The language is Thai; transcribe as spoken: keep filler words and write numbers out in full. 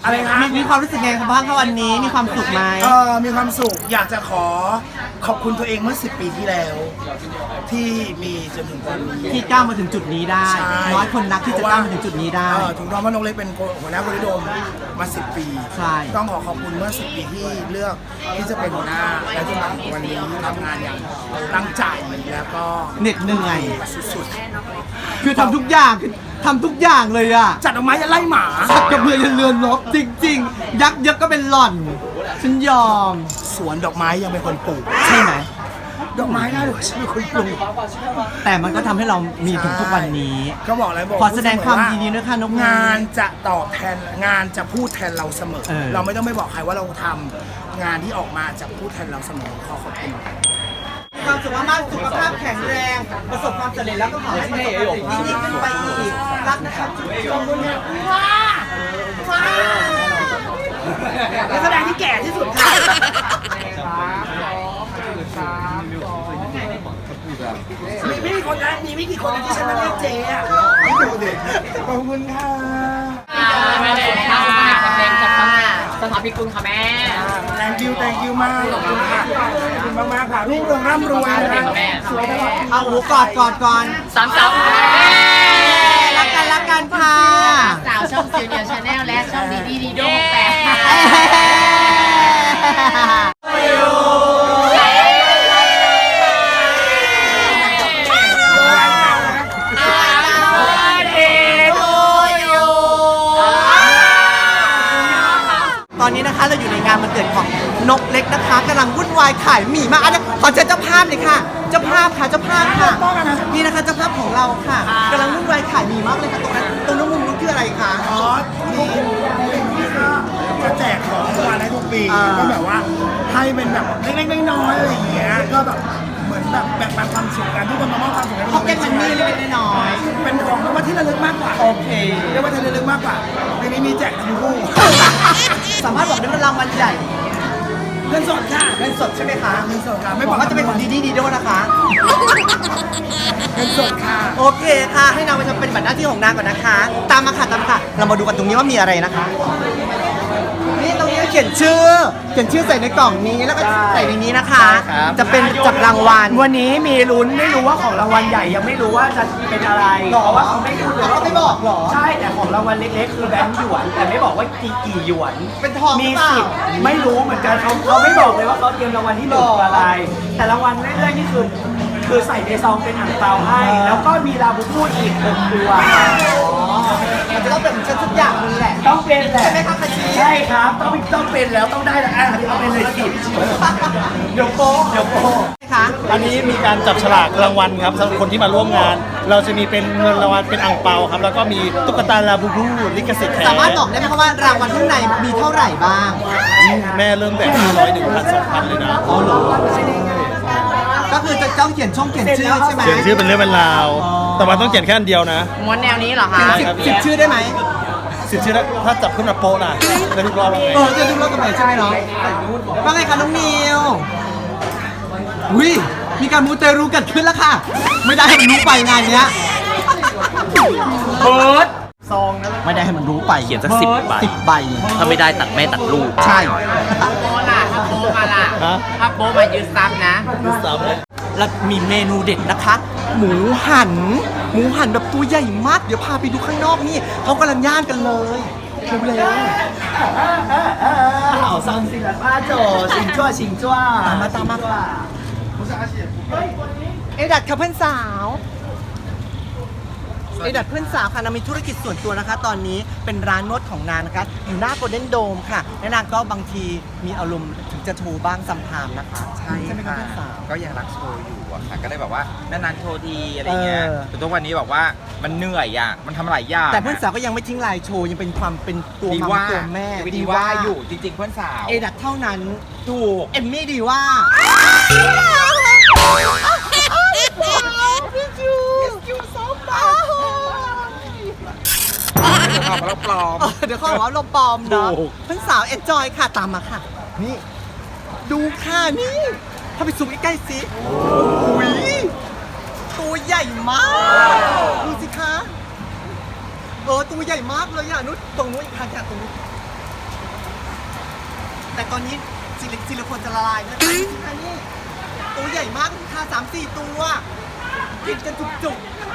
อะไรคะมีมีความรู้สึกไงบ้างคะวันนี้มีความสุขไหมเออมีความสุขอยากจะขอขอบคุณตัวเองเมื่อสิบปีที่แล้ว ที่มีจนถึงตอนนี้ที่ก้าวมาถึงจุดนี้ได้ใช่น้อยคนนักที่จะก้าวมาถึงจุดนี้ได้เออถูกต้องว่านกเล็กเป็นหัวหน้าบริโดมมาสิบปีใช่ต้องขอขอบคุณเมื่อสิบปีที่เลือกที่จะเป็นหัวหน้าและจนถึงวันนี้ทำงานอย่างตั้งใจแล้วก็เหน็ดเหนื่อยสุดคือทำทุกอย่างคือทำทุกอย่างเลยอะๆจัดดอกไม้จะไล่หมาสักกระเบือยันเรือนรบจริง ๆ ยักษ์เยอะก็เป็นหล่อนฉันยอมสวนดอกไม้ยังเป็นคนปลูกใช่ไหมดอกไม้น่าดูฉันเป็นคนปลูกแต่มันก็ทำให้เรามีถึงทุกวันนี้ก็บอกเลยบอกขอแสดงความยินดีด้วยค่ะนกงานจะตอบแทนงานจะพูดแทนเราเสมอเออเราไม่ต้องไปบอกใครว่าเราทำงานที่ออกมาจะพูดแทนเราเสมอขอขอบคุณความสุขมากๆสุขภาพแข็งแรง ประสบความสำเร็จแล้วก็ขอให้ประสบความสำเร็จยิ่งขึ้นไปอีก รักนะครับจุ๊บจุ๊บเนี่ยว้าว้านักแสดงที่แก่ที่สุดค่ะมีไม่กี่คนนะมีไม่กี่คนนะที่ฉันมาเรียกเจ๊อะขอบคุณค่ะแม่เด็กค่ะแม่จากสถาพิกุลค่ะแม่ thank you thank you มากขอบคุณค่ะขอบคุณมากๆค่ะรุ่งเรืองร่ำรวยนะคะสวยตลอดเอาหูกอดกอดก่อนสามสาวรักกันรักกันค่ะสาวช่องซีเนียร์ชาแนลและช่องดีดีดีโดแปดตอนนี้นะคะเราอยู่ในงานวันเกิดของนกเล็กนะคะกำลังวุ่นวายขายหมี่มากอันนี้ขอเชิญเจ้าภาพเลยค่ะ เจ้าภาพค่ะเจ้าภาพค่ะนี่นะคะเจ้าภาพของเราค่ะกำลังวุ่นวายขายหมี่มากเลยค่ะตรงนั้นตรงนู้นมุมนู้นคืออะไรคะอ๋อที่ที่ก็จะแจกของรางวัลให้ทุกปีอ่าก็แบบว่าให้เป็นแบบเล็กๆน้อยๆอะไรอย่างเงี้ยก็แบบเหมือนแบบแบ่งปันความสุขกันทุกคนมามอบความสุขให้พ็อกเก็ตมันนี่เล็กๆน้อยเป็นของรางวัลที่ระลึกมากกว่าๆโอเคเรียกว่าที่ระลึกมากกว่าปีนี้มีแจกทั้งคู่สามารถบอกได้ว่ารางวัลใหญ่เงินสดค่ะเงินสดใช่ไหมคะเงินสดค่ะไม่ไม่บบ ออก กว่าจะเป็นของดีดีดีด้วยนะคะเงินสดค่ะโอเคค่ะ ให้นางไปทำเป็นบัตรหน้าที่ของนางก่อนนะคะ ตามมาค่ะตามมาค่ะ เรามาดูกันตรงนี้ว่ามีอะไรนะคะ นี่ตรงนี้เขียนชื่อ เขียนชื่อใส่ในกล่องนี้แล้วก็ใส่ในนี้นะคะ จะเป็นจับรางวัลวันนี้มีลุ้นไม่รู้ว่าของรางวัลใหญ่ยังไม่รู้ว่าจะเป็นอะไรหรอเพราะว่าเขาไม่พูดเลยเขาไม่บอกหรอใช่แต่ของรางวัลเล็กๆคือแบงค์หยวน แต่ไม่บอกว่ากี่กี่หยวนเป็นทองมีหรือเปล่าสิบไม่รู้เหมือนกันเขาเขาไม่บอกเลยว่าเขาเตรียมรางวัลที่หนึ่งคืออะไร แต่รางวัลเรื่อยๆนี่คือคือใส่ในซองเป็นอ่างเปาให้ แล้วก็มีลาบูบูอีกหนึ่งตัวมันจะต้องเป็นฉันทุกอย่างเลยแหละต้องเป็นแหละใช่ไหมคะคาชิใช่ครับต้องต้องเป็นแล้วต้องได้แล้วอ่ะเอาเป็นเลยสิเดี๋ยวโป๊ะเดี๋ยวโป๊ะคะอันนี้มีการจับฉลากรางวัลครับสำหรับคนที่มาร่วมงาน เราจะมีเป็นเงินรางวัลเป็นอ่างเปาครับ แล้วก็มีตุ๊กตาลาบูบูลิขสิทธิ์แท้สามารถบอกได้ไหมคะว่ารางวัลข้างในมีเท่าไหร่บ้างแม่เริ่มแต่ห้าร้อยหนึ่งพันสองพันเลยนะอ๋อเหรอก็คือจะต้องเขียนช่องเขียนชื่อใช่ไหมเขียนชื่อเป็นเรื่องเป็นราว แต่ว่าต้องเขียนแค่อันเดียวนะม้วนแนวนี้เหรอคะสิบสิบชื่อได้ไหมสิบชื่อแล้วถ้าจับขึ้นมาโป๊ะนะได้ทุกรอบเลยเออจะดูรถกับไหนใช่ไหมเนาะว่าไงคะน้องนิวอุ้ยมีการมูเตรูเกิดขึ้นแล้วค่ะ ไม่ได้ให้มันรู้ไปงานเนี้ยเบิร์ดไม่ได้ให้มันรู้ไปเขียนสักสิบใบสิบใบถ้าไม่ได้ตัดแม่ตัดลูกใช่โบล่ะถ้าโบมาล่ะฮะถ้าโบมายืนซับนะซ้ำเลยแล้วมีเมนูเด็ดนะคะ หมูหัน หมูหันแบบตัวใหญ่มาก เดี๋ยวพาไปดูข้างนอกนี่เขากำลังย่างกันเลยเร็วๆ好伤心了八九请坐请坐ตามมาตามมาเอดัดค่ะเพื่อนสาว เอดัดเพื่อนสาวค่ะนางมีธุรกิจส่วนตัวนะคะ ตอนนี้เป็นร้านนวดของนางนะคะอยู่หน้าโกลเด้นโดมค่ะและนางก็บางทีมีอารมณ์ถึงจะโชว์บ้างซัมไทม์นะคะใช่ใช่ไหมคะค่ะเพื่อนสาวก็ยังรักโชว์อยู่อะค่ะ ก็เลยแบบว่านานๆโชว์ทีอะไรเงี้ยเออแต่ทุกวันนี้แบบว่ามันเหนื่อยอ่ะ มันทำหลายอย่างแต่เพื่อนสาวก็ยังไม่ทิ้งลายโชว์ยังเป็นความเป็นตัวดีมัมว่าตัวแม่ดีว่าอยู่จริง ๆ เพื่อนสาวเอดัดเท่านั้นถูกเอมมี่ดีว่าพี่จูจูซอฟต์ความเราปลอมเออเดี๋ยวเขาบอกว่าเราปลอมเนาะเพื่อนสาวเอนจอยค่ะตามมาค่ะ นี่ ดูค่ะนี่ถ้าไปซูมใกล้ๆสิโอ้ยตัวใหญ่มากดูสิคะเออตัวใหญ่มากเลยอ่ะนุชตรงนู้นอีกทางค่ะตรงนู้นแต่ตอนนี้ซิลิซิลิโคนจะละลายนะนี่ค่ะนี่ตัวใหญ่มากค่ะสามสี่ตัวกินกันจุกๆ